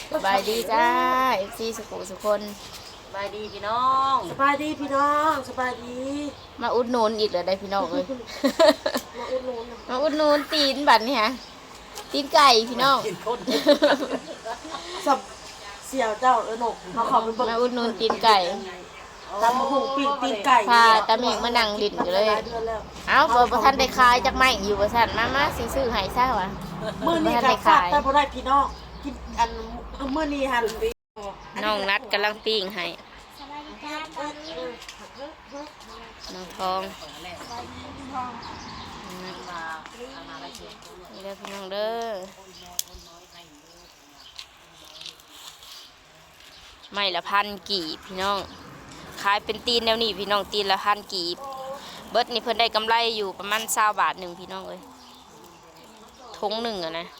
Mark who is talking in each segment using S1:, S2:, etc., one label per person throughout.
S1: สบายดีจ้าเอฟซีสุขคน
S2: สบายดีพี่น้อง
S3: สบายดีพี่น้องสบายดี
S1: มาอุดหนุนอีกเลยได้พี่น้องเลย
S3: มาอุดหนุน
S1: มาอุดหนุนตีนบัตรนี่ฮะตีนไก่พี่น้อง
S2: กินคน
S3: สับเสี่ยวเจ้าหนกมาขอไปเบิ่ง
S1: มาอุดหนุนตีนไก่
S3: ตำมะฮุ่งปิ้งตีนไก่
S1: พาตาเมงมานั่งลิ้นอยู่เลย
S3: เดือนแล้ว
S1: เอ้าเปิดประทันได้ขายจากไม่อยู่ประทันมาซื้อให้ซ่าวะ
S3: มื้อนี้ก็ฝากแต่บ่ได้พี่น้องกินอันมื้อนี้หั่น
S1: น้องนัดกำลังปิ้งให้น้องทองนี่เด้อพี่น้องเด้อไม่ละ1,000 กีบพี่น้องขายเป็นตีนแนวนี้พี่น้องตีนละ1,000 กีบเบิดนี่เพิ่นได้กำไรอยู่ประมาณ20 บาทหนึ่งพี่น้องเลยทงหนึ่งอะนะ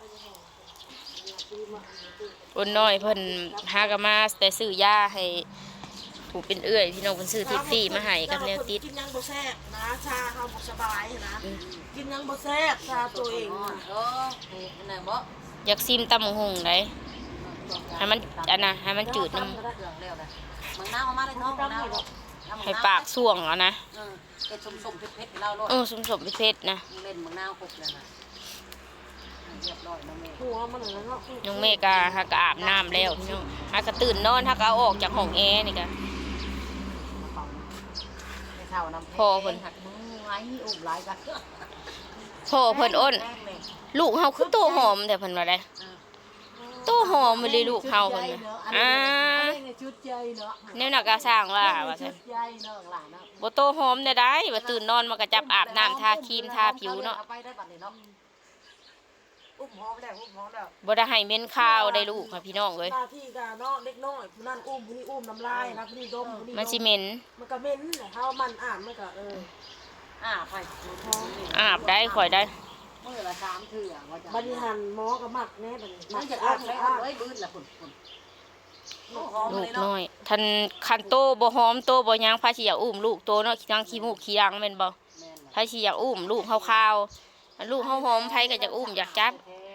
S1: คนน้อยเพิ่นหากมาแต่ซื้อยาให้ผูกเป็นเอื้อยพี่น้องเพิ่นซื้อทิปฟี่มาให้กับแนวติด
S3: กินยังบ่แซ่บนะชาเฮาบ่สบายนะกินยังบ่แซ่บชาตัวเอง
S2: เออนี่ไหนบ่
S1: อยากซิมตำบักหุ่งได้ให้มันอันน่ะให้มันจืดน้
S2: เครื่องแล้วนะมึงน้าเอามาได้ท้องน้า
S1: ำให้ปากส่วงเอานะ
S2: เป็นสมเผ็ดๆเล่าโลด
S1: สมเพชรนะ
S2: มึงเล่นมึงน้าครบแล้วนะเรียบร้อยน้องเมย์
S3: หัวมันนั่นเนาะ
S1: น้องเมกาฮักก็อาบน้ำแล้วพี่น้องฮักก็ตื่นนอนฮักก็เอาออกจากห้องแอร์นี่กะ
S2: ไม่เท่าน้ำ
S1: พ่อเพิ่น
S2: หักมึงไว้อุ้มหลายกัน
S1: พ่อเพิ่นอ้นลูกเฮาคือโตหอมแต่เพิ่นว่าได้โตหอมไปเลยลูกเฮาเพิ่นน่ะ
S2: ชุดใจเนาะ
S1: แนวนักกาสร้างว่าซั่น
S2: ใจเนาะหลานเนาะ
S1: บ่โตหอมได้ว่าตื่นนอนมันก็จับอาบน้ำทาครีมทาผิวเนาะ
S2: เอาไปได้บัดนี้เนาะอุ้มหอมแล้ว
S1: บ่ได้ให้เหม็นข้าวได้ลูกค่ะพี่น้องเอ้ย
S3: หน้าที่ก็เนาะเด็กน้อยผู้นั้นอุ้มผู้นี้อุ้มน้ำลายนะผู้นี้ดมผู้นี้
S1: มันสิเหม็น
S3: มันก็เหม็นแหละเฮามันอ่านมันก็
S2: ไป
S1: อาบได้ข่อยได้
S2: มื้อละ3เทื่อว่าจะ
S3: บริหารหมอก็มักแน่บัดนี้
S2: มั
S3: มัน น
S2: จะ
S3: จะ
S2: อ้า
S3: อ่าน น
S2: เลย
S3: อ่าน
S2: เอ้ยบื้นละพุ่นหอม
S1: ลู
S2: เล
S1: ก
S2: ยเนาะ
S1: น้อยทันคันโตบ่หอมโตบ่หยังพาสิอยากอุ้มลูกโตเนาะขี้ดังขี้มูกขี้ดังแม่นบ่
S2: แม่น
S1: พาสิอยากอุ้มลูกเฮาคาวลูกเฮาหอมไผก็อยากอุ้มอยากจับ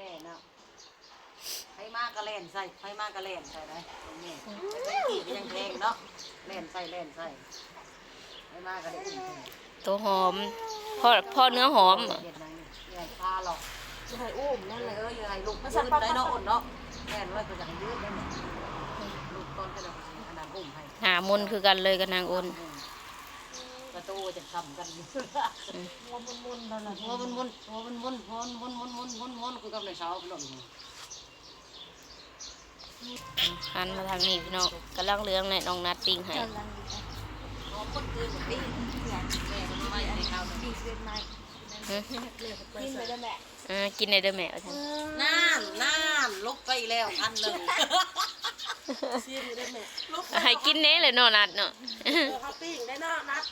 S2: ไผมากระเล่นใส่ไผมากระเล่นใส่ได้นี่กี่ก็ยังแพงเนาะเล่นใส่ไผมากระเล่น
S1: โตหอมพ่อเนื้อหอม
S2: เด็ดนังนี่ใหญ่พาหรอก
S3: จะให้อุ้มนั่นแหละ
S2: ยังไงลูกยืดได้เนาะอ่อนเนาะแม่นว่าก็จะยืดได้เนี่ยลูกก้อนก็จะขนาดอุ้มให้
S1: หามนคือกันเลยกับนางอ้น
S2: ประตูจะทำกันอยู่
S3: หัวมุนๆนั่นแหละ
S2: หัวมันคือกับในเช้าพี่น้อง
S1: หันมาทางนี้พี่น้องกำลังเลี้ยงในน้องนัดปิ้งให้
S2: คนคือแบบนี้แม่ก็ไม่ได้ข้าวดีเกินไป
S3: กินไปได้แม่
S1: กินในเด้อแม่เอาซั่น
S2: น้ำลุกไปแล้ว1,000
S3: ซีนได้แม่
S1: ให้กินแน่เลยเนาะนัดเนาะ
S3: เขาปิ้งได้เนาะนัด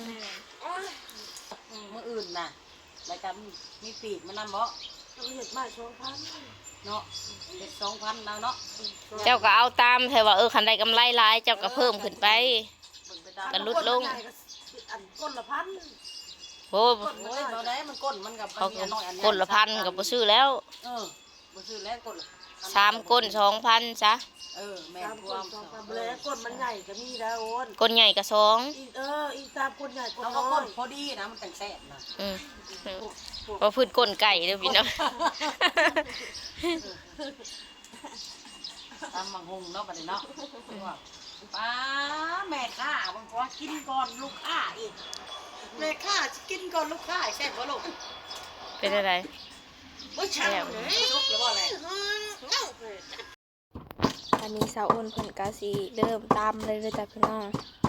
S2: มื้ออื่นน่ะรายการมีปีกมันนำบ่
S3: ต้องเห็ดใหม่2,000
S2: เนาะเด็ด2,000แล้วเนาะ
S1: เจ้าก็เอาตามแต่ว่าคันได้กำไรหลายเจ้าก็เพิ่มขึ้นไป กันลดลง
S3: อันก้นละพัน
S1: โอ้
S2: โอ้ยบ่ได้มันก้นมันกับ
S1: เขาก้นละพันก็บ่ซื้อแล้ว
S2: บ่ซื้อแล้วก้น
S1: 3ก้น2,000ซะ
S2: แม่
S3: ตาม
S2: พ
S3: ก้
S2: วน ม
S3: 2,000แล้วก้นมันใหญ่ก็มีแล้วโอน
S1: ก้นใหญ่ก็2
S3: อีตามก้นใหญ่ก้น
S2: เรา
S3: น้
S2: ก็
S3: อ
S2: ก้น
S3: ย
S2: พอดีนะมันแต่งแซ่บนะ
S1: เพราะพื้นก้นไก่เด้อพี่น้อง
S2: ตามมังหงเนาะบัดนี้เนาะป้าแม่ข้าบางคนกินก่อนลูกค้าอีกแม่ข้ากินก่อนลูกค้าแซ่บบ่ลูก
S1: เป็นอะไร
S2: บ่ใช่ลูกหรือว่าอะไร
S1: อันนี้สาวอ้นเพิ่นก็สิเริ่มตำเลยจ้ะพี่น้อง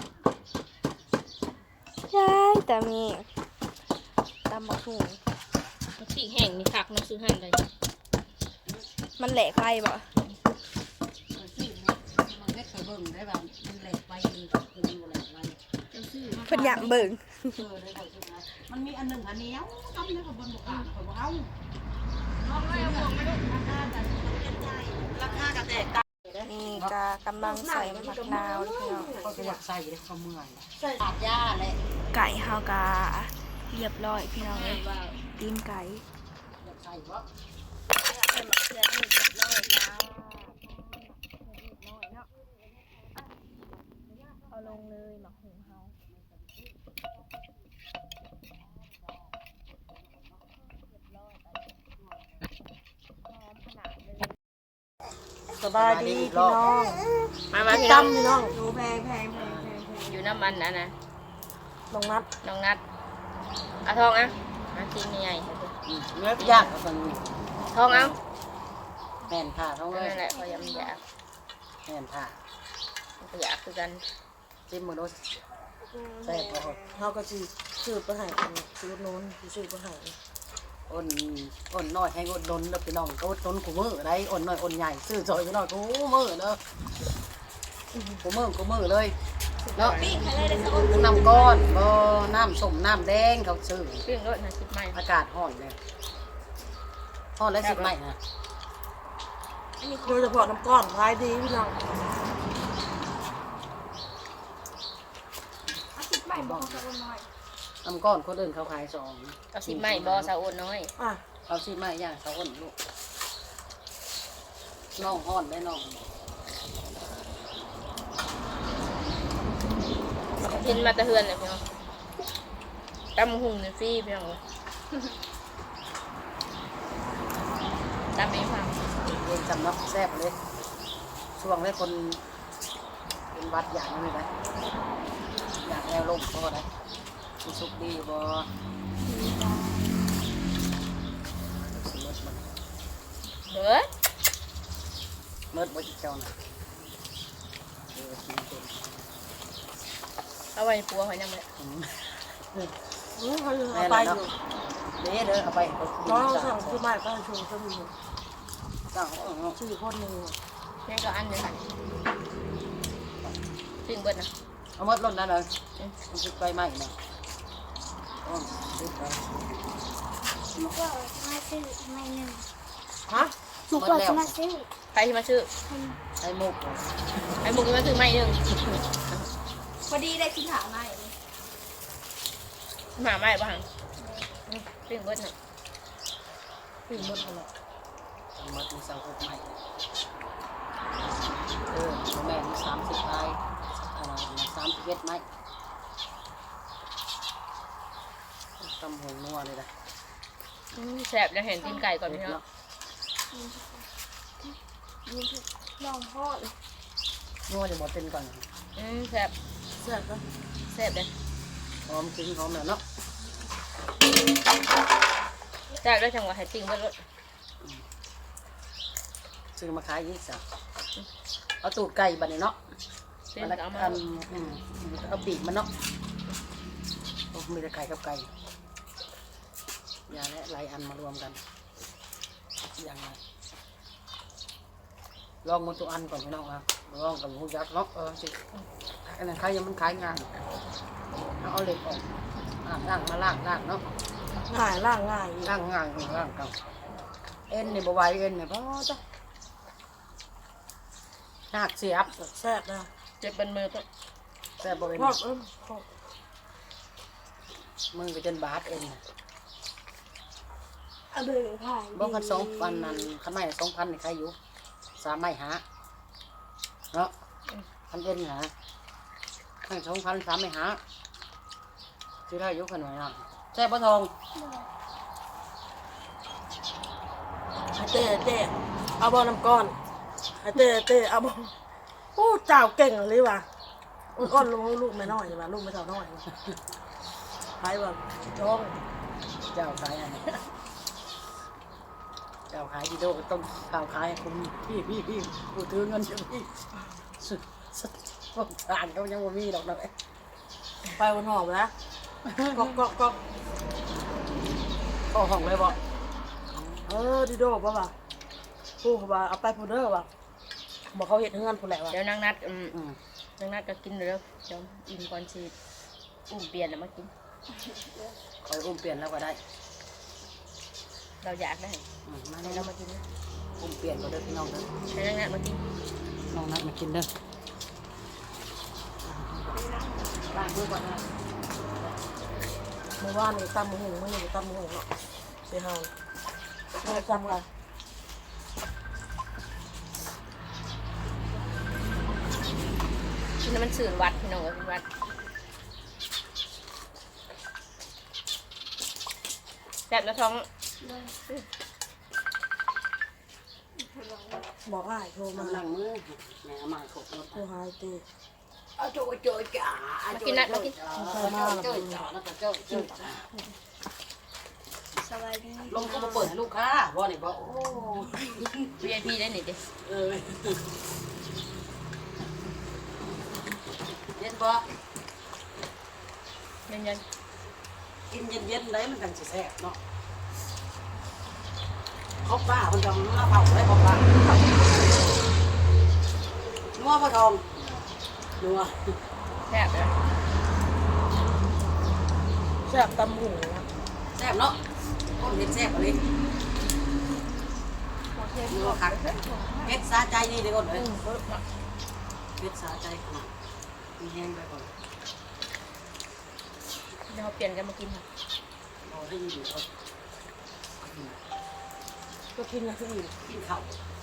S1: ยายแต่มีตำบักหุ่งพริกแห้งนี่คักเนาะซื้อหั่นได้มันแหลกไฟบ่
S2: มันไม่เคยเบิ่งได้แบบมันแหลกไปมันบ่แหลกไป
S1: เพิ่นอยากเบิ่ง
S2: ได้บ่ซื้อนะมันมีอันหนึ่งอันนี้ทำได้กับบนบกอ่ะข่อยบ่เอาราคากระแตกต่าง
S1: นี่ก็กำลังใส่มะนาวพี่น้อง
S2: เขาก็อยากใส่ได้เขาเมื่อยขาดยาเลย
S1: ไก่เฮาก็เรียบร้อยพี่น้องเอ้ยตีนไก่
S2: อยากใส่บ่
S1: ใส่มะเขือเทศเรียบร้อยแล้ว
S3: สบายดีพี่น้อง
S1: มาพี่น้อง
S3: จำพี่น้อง
S2: ดูแพง
S1: อยู่น้ำมันนะ
S3: น้องนัด
S1: น้องนัดเอาทองอ่ะมากินใหญ่
S2: เนื้อยากกับมัน
S1: ทองเอา
S2: แม่นผ่าท้องเลย
S1: นั่นแหละพอยำอยาก
S2: แม่นผ่า
S1: ก็อยากคือกัน
S2: จิ้มมือรสแซ่บบ่
S3: เขาก็สิซื้อไปให้กันซื้อโน้นซื้อไปให้
S2: อ่อนน้อยให้อดดนเด้อพี่น้องก็อดดนกูมือได้อ่อนน้อยอ่อนใหญ่ซื้อซอยพี่น้องกูมือเด้อกูมือเลยเนาะน้ำก้อนบ่น้ำส้มน้ำแดงเขาซื้อ
S1: เรื่องรถนะคิดใหม่
S2: อากาศร้อนเลยร้อนแล้วสิไหมนะ
S3: โดยเฉพาะน้ำก้อนขายดีพี่น้อง
S2: น้ำก้อนคนอื่นเขาขายสอง
S1: เอาสิใหม่บอสาวโอนน้อย
S3: อ่ะ
S2: เอาสิไหมย่างเขาอ้นลูกน้องห้อนได้น้อง
S1: กินมาแตะเฮือนเลยพี่น้องตำหุ่งเนี่ยฟรีพี่น้องเลยตำเองฟัง
S2: เองจำเนาะแซ่บเลยช่วงแรกคนเป็นวัดอย่างนี้ได้อย่างแนวลมพอได้มีสุกดีบ่สิมดมัน
S1: เบิด
S2: มดบ่อีกเจ้าน่ะกินเป็น
S1: เอาไว้ปัวหอยนางรม
S3: เขาเอาไปอยู่
S2: เด้อเอาไป
S3: น้องสั่งซื้อใหม่ก็ชงก็มี
S2: สั่ง
S3: ซื้อคนหนึ่ง
S1: นี่ก็อันหนึงค่ะซึ่งเบิดนะ
S2: เอามดล้นนั่นเลยมันสิไปใหม่นะอ๋อสิไป
S4: ลูกว่าจะมาซื้อไม่หนึ่ง
S3: ฮะ
S4: ลูกว่าจะมาซื้อ
S1: ใครที่มาซื้อ
S2: ไอ้มุก
S1: ไอ้มุกที่มาซื้อไม่หนึ่ง
S4: พอดีได้กินหาไม่
S1: หมาไม่บ้างซึ่งเบิดนะ
S3: ซื้อหมดอะไร
S2: เอามาดูสังคมใหม่แม่มี30ไม้31ไม้ตำหงนัวเลยนะ
S1: แสบแล้วเห็นตีนไก่ก่อนพี่น้อง
S4: ลองพ่อเลย
S2: นัวจะหมดเป็นก่อน
S1: แสบ
S3: แซ่บก็
S1: แสบเลย
S2: หอมจริงหอมแล้วเนาะ
S1: แสบแล้วจังหวะให้ติ้งเบิดรถ
S2: ซื้อมาขายยี่สิบเอาตูดไก่บัดนี้เนาะ
S1: เป็น
S2: มัน
S1: เอามา
S2: เอาปีกมันเนาะมีแต่ไก่กับไก่ยาและหลายอันมารวมกันอย่างไรลองมันตัวอันก่อนพี่น้องครับลองกับหูยักษ์เนาะสิอันนั้นใครยังมันขายงานเอาเหล็กออกล่างมาล่างเนาะ
S3: ง่ายล่างง่าย
S2: ล่างงานล่างกันเอ็นนี่บวายเอ็นเนี่ยพ่อจ้ะหักเสียบ
S3: แซ่บนะ
S1: เจ็บเป็นมือก็
S2: แต่บริเว
S3: พอ
S2: ณ
S3: ดพอด
S2: มึงไปจนบาดเอ็น
S4: เอาเบอร์ผ่าน
S2: บอกกัน2,000นั่นขันไม่2,000นี่ใครอยู่3ไม่หาเนาะคันเอ็นหาขัน2,000 3ไม่หาซื้อได้ยกขนาดนั้นแซ่บปะทอง
S3: เต้เอาบอลน้ำก้อนเต้เอาบอลโอ้เจ้าเก่งเลยว่ะอ้อนลูกไม่น้อยว่ะลูกไม่เท่าน้อยไปว่ะจ้อง
S2: เจ้าขายอะไรเจ้าขายดีโดต้องเจ้าขายคุณพี่กูถือเงินจะพี่สุดพวกทานเขายังบ่มีดอกนะ
S3: ไปวันหอบแล้วก็
S2: ก็ห้องเลยบ่
S3: ดิโดป่ะว่ะผู้เขาว่าเอาไปพูดเด้อว่ะบอกเขาเห็นเงินผู้แหละว่ะ
S1: เดี๋ยวนางนัดนางนัดก็กินเร็วเดี๋ยวอิ่มก่อนสิอุ้มเปลี่ยนแล้วมากิน
S2: คอยอุ้มเปลี่ยนแล้วก็ได้
S1: เราอยากได้
S2: มา
S1: ให้
S2: ให้
S1: เรา
S2: เรา
S1: มากินนะ
S2: อุ้มเปลี่ยนก็ได้พี่น้องเด้อ
S1: ให้นางนัดมากิน
S2: น้องนัดมากินเด้อล้างมือก่อนนะ
S3: เมื่อวานนี่ตำหูไม่ได้ตำหูเนาะไปหาเราจำกัน
S1: กินแล้วมันสื่อวัดพี่น้องเป็นวัดแสบแล้วท้อง
S3: บอกอ้ายโทรมา
S2: กำลังมือแม่มาขบรถ
S3: โทรหาไอ้เต้
S2: เอาโจ้โจ้จ๋าโจ้โจ้จ๋าแล้วก็โจ้โจ้จ๋า
S4: สวัสดี
S2: ลงก็มาเปิดให้ลูกค้าบ่นี่บ่โอ้
S1: VIP ได้หนิดิ
S2: เออเย็นบ่
S1: ยันยัน
S2: กินเย็นๆได้มันจังสิแซ่บเนาะครบป้ามันจะมาเผาได้ครบป้านัวปลาทองนัว
S1: แซ่บเลย
S3: แซ่บตำหูนะ
S2: แซ่บเนาะคนเห็นแซ่บอะไรนัวคักเฮ็ดสาใจนี่เดี๋ยวก่อนเลยเฮ็ดสาใจขนาดมีแห้งไปก่อน
S1: เดี๋ยวเราเปลี่ยนกันมากินค่ะ
S2: รอให้อยู่ก่อน
S3: ก็กินนะที่อื่น
S2: กินข้าว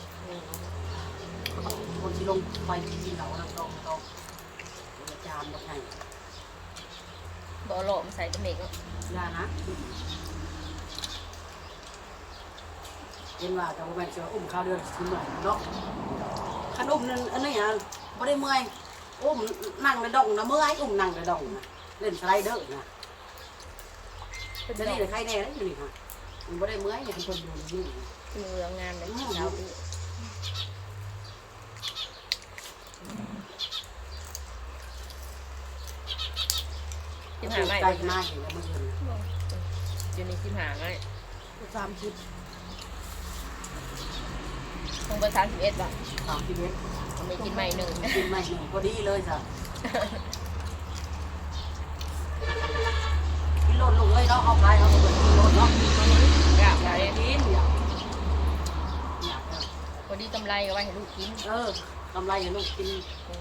S2: คนที่ลงไปกินข้าวแล้วต้องจานแบบไหน
S1: บอโลมาใส่ตะเมก
S2: ยานะเห็นว่าแต่ว่าแม่เชื่ออุ้มข้าวเดือนขึ้นหน่อยเนาะขนมนั่นอันนี้อ่ะไม่ได้เมื่อยอุ้มนั่งในดองนะเมื่อยอุ้มนั่งในดองนะเล่นสไลเดอร์นะจะนี่เลยใครแน่เลยอยู่นี่ค่ะมันไม่ได้เมื่อยอย่างคนอยู่นี่
S1: กินเรืองงานเลยเช้าพี่กินหาไม่
S2: ใจมากเห็นแล้วเมื่อคืน
S1: อยู่ในกินหาไม่
S3: 30
S1: คงเบอร์31ป่ะ
S2: 31
S1: ผมไม่กินใหม่หนึ่ง
S2: กินไม่หนึ่งพอดีเลยจ้ะกินโลดลงเลยเนาะเอาไปเอาไปกินโลดเนาะ
S1: อยาก
S2: อยาก
S1: เลย
S2: กินอยาก
S1: พอดีกำไรก็ไว้ให้ลูกกิน
S2: กำไรอย่าลูกกิน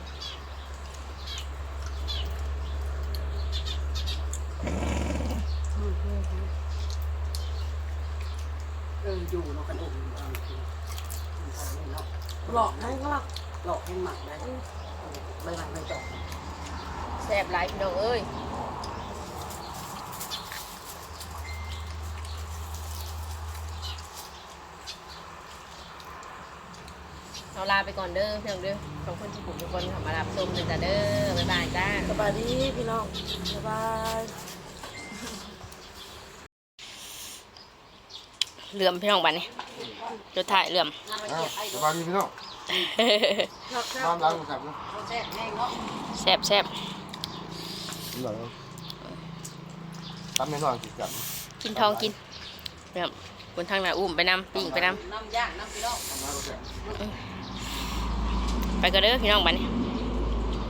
S2: อยู่เนาะกันอุ่นเนาะ
S3: หลอกให้เขาหลอก
S2: หลอกให้หมักได้ไม่หมักไม่จบ
S1: แซ่บหลายพี่น้องเอ้ยเราลาไปก่อนเด้อพี่น้องเด้อขอบคุณทุกคนทุกคนที่มารับชมเลยจ้ะเด้อบ๊ายบายจ้า
S3: สบายดีพี่น้องบ๊ายบาย
S1: เหลื่อมพี่น้องบัดนี้จุดถ่ายเหลื่อม
S5: สบายดีพี่น้องน้ำล้างมือครับนะ
S2: แซ่บแห้งเนาะ
S1: แซ่บแซ่บ
S5: หลังตั้มไม่นอนกินกัน
S1: กินทองกินเหลื่อมบนทางหน้าอุ้มไปนำปิ้งไปน
S2: น้ำย่างน้ำพี่น้อง
S5: น้ำล้างก็แซ่บ
S1: ำไปกันเด้อพี่น้องบัดนี้